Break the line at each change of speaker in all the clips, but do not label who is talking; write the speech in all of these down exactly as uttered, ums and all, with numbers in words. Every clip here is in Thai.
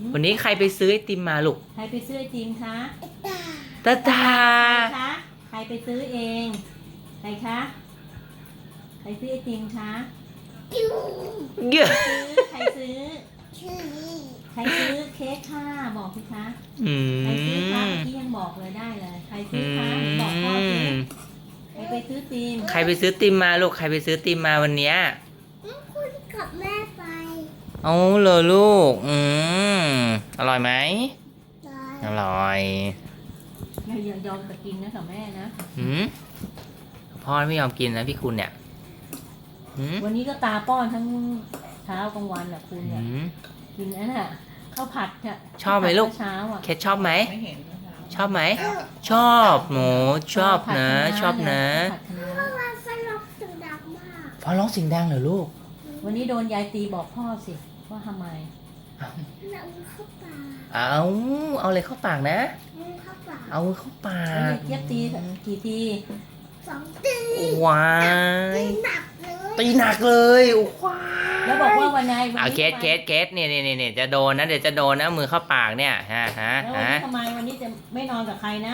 วันนี้ใครไปซื้อไอติมมาลูก
ใครไปซื้อไอติมคะ
ตาตา
ใครคะใครไปซื้อเองใครคะใครซื้อไอติมคะ
เยอะ
ใครซื้อใครซื้อเค้กค่ะบอกสิคะ
อืม
ใครซื้อคะเมื่อกี้ยังบอกเลยได้เลยใครซื้อคะบอกพ่อสิใครไปซื้อติม
ใครไปซื้อติมมาลูกใครไปซื้อติมมาวันเนี้ย
คุณกับแม่ไป
เอาเลยลูกอืมอร่อยไหมอร่อย
อย่ายอมจะกินนะกับแม่นะ
อืมพ่อไม่ยอมกินนะพี่คุณเนี่ย
วันนี้ก็ตาป้อนทั้งเช้ากลางวันอ่ะคุณเนี่ยกินนั่นน่ะข้าวผัดเนี่ย
ชอบไหมลูก
เช้าอ่ะ
เคทชอบไหมชอบไหมชอบหมูชอบนะชอบนะ
พ่อร้องเสียงดังมาก
พ่อร้องเสียงดังเหรอลูก
วันนี้โดนยายตีบอกพ่อสิว่าทำไม
เอาเข้าปาก
เอาเอาเลยเข้าปากนะ
เข้าปาก
เอาเข้าปา
ก
ก
เย็บตีกี่ที
สองตี
ว้ายตีหนักเลยว้าย
แล้วบอกว่าวันไหน
เอาเคสเคสเคสเนี่ยเนี่ยเนี่ยจะโดนนะเดี๋ยวจะโดนนะมือเข้าปากเนี่ยฮะฮะ
ฮะทำไมวันนี้จะไม่นอนกับใครนะ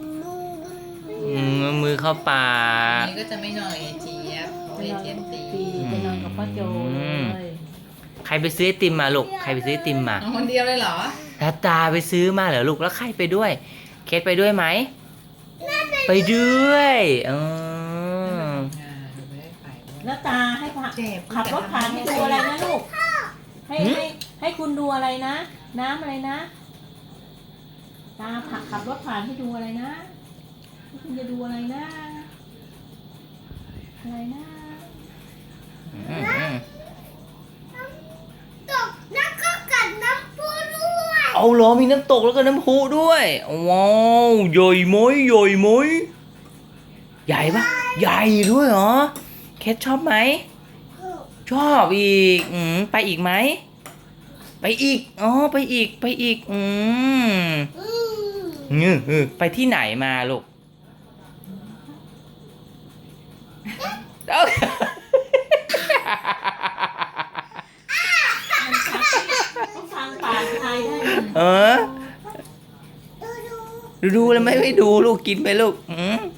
มือเข้าปาก
นี่ก็จะไม่นอนกับไอเจี๊ยบไอเจี๊ยบตี
จะนอนกับป้าโจเลย
ใครไปซื้อไอติมมาลูกใครไปซื้อไอติมมา
คนเดียวเลยเหรอ
ตาตาไปซื้อมาเหรอลูกแล้วใครไปด้วยเคสไปด้วยไหมไปด้วยเออ
แล้วตาให้ขับรถผ่านให้ดูอะไรนะลูกให้ให้ให้คุณดูอะไรนะน้ำอะไรนะตาขับรถผ่านให้ดูอะไรนะคุณจะดูอะไรนะอะไรนะ
ตกแล้วก็กัดน้ำพุด้วย
เอาเหรอมีน้ำตกแล้วก็น้ำพุด้วยว้าวใหญ่ไหมใหญ่ไหมใหญ่ปะใหญ่ด้วยเหรอเคทชอบไหมชอบอีกอืมไปอีกไหมไปอีกอ๋อไปอีกไปอีกอืมเงือไปที่ไหนมาลูก
ต้องฟังปากใครได้
เออดูดูแล้วไม่ไม่ดูลูกกินไปลูกอืม